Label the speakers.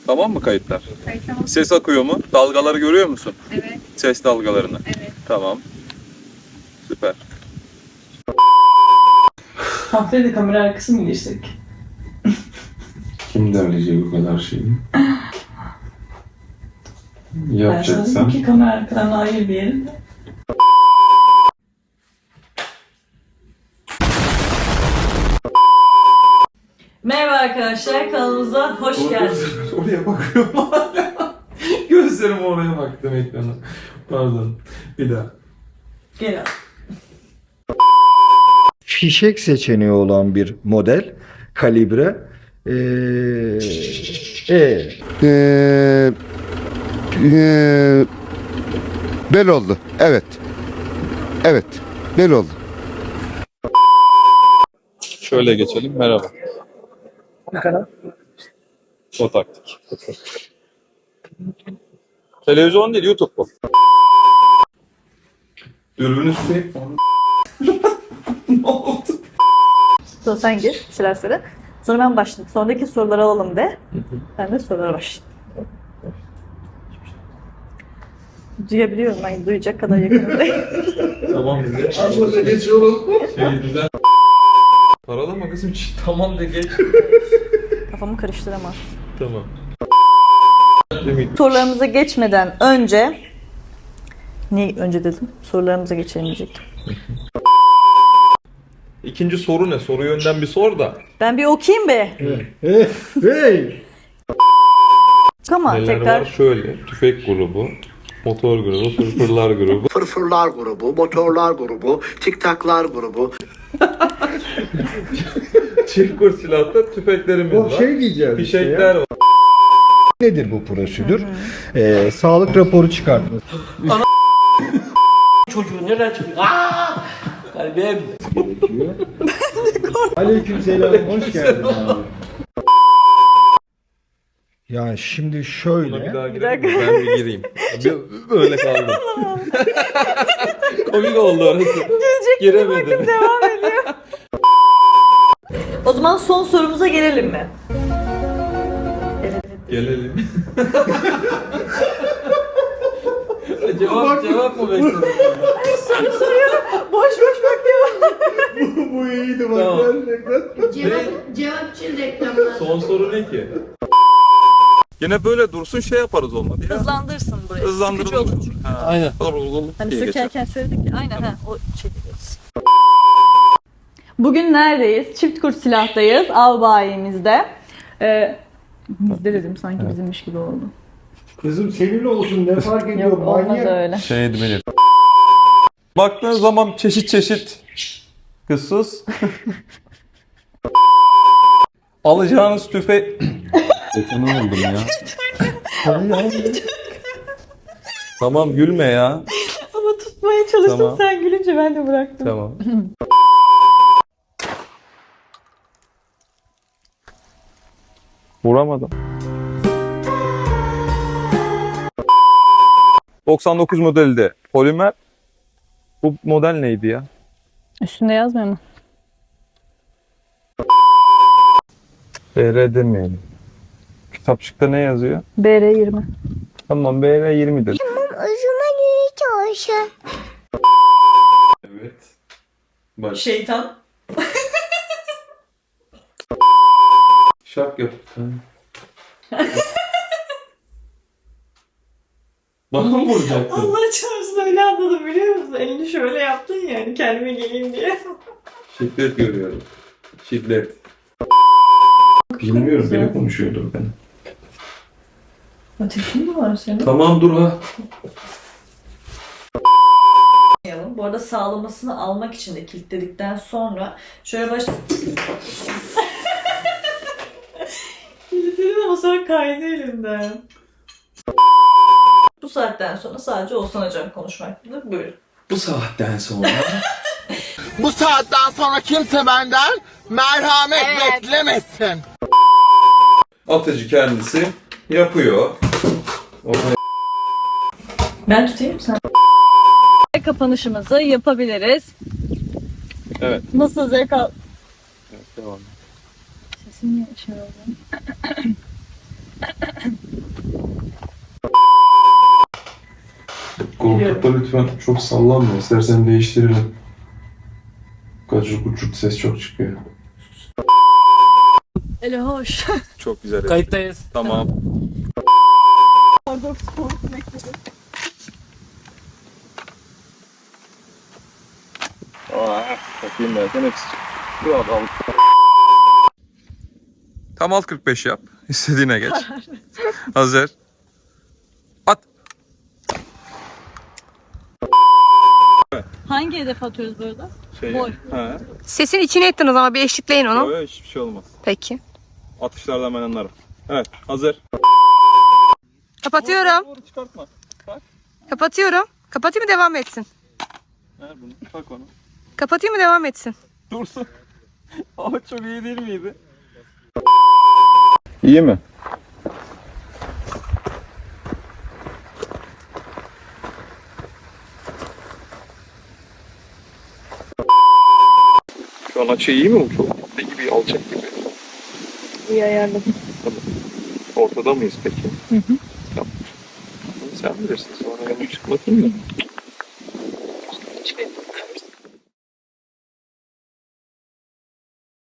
Speaker 1: Tamam mı kayıtlar?
Speaker 2: Kayıt tamam.
Speaker 1: Ses akıyor mu? Dalgaları görüyor musun?
Speaker 2: Evet.
Speaker 1: Ses dalgalarını.
Speaker 2: Evet.
Speaker 1: Tamam. Süper.
Speaker 3: Haftaya da kamera arkası mı girsek?
Speaker 4: Kim derleyecek bu kadar şeyi?
Speaker 3: Ben sana
Speaker 4: Yapacaksan.
Speaker 3: dedim ki kamera arkadan ayır bir yerinde. Merhaba arkadaşlar, kanalımıza hoş geldiniz.
Speaker 4: Oraya bakıyorum hala. Gözlerim oraya baktım ekrana. Pardon. Bir daha.
Speaker 3: Gel abi.
Speaker 5: Fişek seçeneği olan bir model kalibre e,
Speaker 6: Bel oldu. Evet. Evet. Bel oldu.
Speaker 1: Şöyle geçelim. Merhaba.
Speaker 3: Ne kadar?
Speaker 1: O taktik. Televizyon değil, YouTube bu.
Speaker 4: Dürbünü sürekli. Ne oldu?
Speaker 2: Sonra sen gir, bir şeyler söyle. Sonra ben başlayayım. Sonraki soruları alalım de. Ben de sorulara başlayayım. Duyabiliyorum ben, duyacak kadar yakınındayım.
Speaker 4: Tamam bize. Abla geçiyorum. Şeyden. Paralama kızım. Tamam de geç.
Speaker 2: Kafamı karıştıramaz.
Speaker 4: Tamam.
Speaker 2: Sorularımıza geçmeden önce... Niye önce dedim? Sorularımıza geçelim diyecektim.
Speaker 4: İkinci soru ne? Soruyu önden bir sor da.
Speaker 2: Ben bir okuyayım be.
Speaker 5: hey.
Speaker 2: Ama
Speaker 4: Neler
Speaker 2: tekrar...
Speaker 4: var? Şöyle. Tüfek grubu. Motor grubu. Fırfırlar grubu.
Speaker 7: Fırfırlar grubu, motorlar grubu, tiktaklar grubu.
Speaker 4: Çift kur silahta tüfeklerimiz
Speaker 5: O
Speaker 4: var.
Speaker 5: şey diyeceğiz.
Speaker 4: Fişekler var.
Speaker 5: Nedir bu prosedür? Sağlık raporu çıkartması.
Speaker 3: Çocuğu nereden çıkıyor? Aaa! Kalbim.
Speaker 5: Gerekiyor. Aleykümselam. Hoş geldin abi. Yani şimdi
Speaker 4: Buna bir
Speaker 5: şöyle.
Speaker 4: daha girelim mi? Ben bir gireyim. Böyle kaldım. Komik oldu orası. Giremedim.
Speaker 2: Devam ediyor. O zaman son sorumuza gelelim mi?
Speaker 4: Gelelim. cevap mı bekledin?
Speaker 2: Boş boş bakıyor.
Speaker 5: Bu iyiydi bak
Speaker 4: Tamam.
Speaker 5: gerçekten.
Speaker 8: Cevapçı reklamlar.
Speaker 4: Son soru ne ki?
Speaker 1: Yine böyle dursun, şey yaparız olmadı ya.
Speaker 2: Hızlandırsın burayı. Sıkıcı
Speaker 1: Hızlandıralım.
Speaker 2: olur çünkü.
Speaker 4: Aynen.
Speaker 2: Hani
Speaker 1: diye geçer.
Speaker 2: sökerken söyledik ya. Aynen ha. O çekeceğiz. Bugün neredeyiz? Çift kurt silahtayız. Av bayimizde. Bizde dedim sanki bizimmiş gibi oldu.
Speaker 5: Kızım seninle olsun ne fark ediyor?
Speaker 2: Yok olmaz
Speaker 5: Manyak.
Speaker 2: öyle.
Speaker 4: Şeydi benim. Baktığın zaman çeşit kızsız. Alacağınız tüfe... Ne oldum ya? Tamam gülme ya.
Speaker 2: Ama tutmaya çalıştım,
Speaker 4: Tamam.
Speaker 2: sen gülünce ben de bıraktım.
Speaker 4: Tamam. Vuramadım. 99 modelde polimer. Bu model neydi ya?
Speaker 2: Üstünde yazmıyor mu?
Speaker 4: BR demeyelim. Kitapçıkta ne yazıyor?
Speaker 2: BR20.
Speaker 4: Tamam BR20 dedim. Evet. Bak
Speaker 3: Şeytan.
Speaker 4: şak yap. Bana mı vuracaktın?
Speaker 3: Allah çarpsın öyle anladım biliyor musun? Elini şöyle yaptın yani kendime geleyim diye.
Speaker 4: Şiddet görüyorum. Şiddet. Bilmiyorum biri konuşuyordur ben.
Speaker 3: Ateşin mi var senin?
Speaker 4: Tamam dur ha.
Speaker 2: Bu arada sağlamasını almak için de kilitledikten sonra şöyle kilitledim ama sonra kaydı elimden. Bu saatten sonra sadece Oğuzhan Hocam konuşmaktadır. Buyurun.
Speaker 4: Bu saatten sonra
Speaker 7: Bu saatten sonra kimse benden merhamet beklemesin.
Speaker 4: atıcı kendisi yapıyor.
Speaker 3: Ben tutayım sen.
Speaker 2: Kapanışımızı yapabiliriz.
Speaker 1: Evet.
Speaker 2: Nasıl zevk al...
Speaker 1: Evet, devam.
Speaker 2: Sesim niye şey oldu?
Speaker 4: Koltukta lütfen çok sallanma. İstersen değiştirelim. Gacır gucurt ses çok çıkıyor.
Speaker 2: Ele hoş.
Speaker 1: Çok güzel.
Speaker 8: Kayıttayız.
Speaker 1: Tamam.
Speaker 2: Orada soğuk bekledim.
Speaker 1: Bakayım derken hepsi. Dur abi al. Tam alt 45 yap. İstediğine geç. Hazır. At.
Speaker 2: Hangi hedef atıyoruz burada? Boy.
Speaker 1: He.
Speaker 9: Sesin içine ettin o zaman bir eşitleyin onu.
Speaker 1: Böyle hiçbir şey olmaz.
Speaker 9: Peki.
Speaker 1: Atışlardan ben anlarım. Evet. Hazır.
Speaker 9: Kapatıyorum.
Speaker 1: Doğru çıkartma.
Speaker 9: Kapatıyorum. Kapatayım mı devam etsin?
Speaker 1: Ver bunu. Tak onu.
Speaker 9: Kapatayım mı devam etsin?
Speaker 1: Dursun. Ama çok iyi değil miydi? İyi mi? Şu an açı iyi mi bu çok? Ne gibi alçak gibi?
Speaker 2: İyi ayarladım.
Speaker 1: Ortada mıyız peki? Hı hı. Tamam. Sen bilirsin sonra yanına çık bakayım da.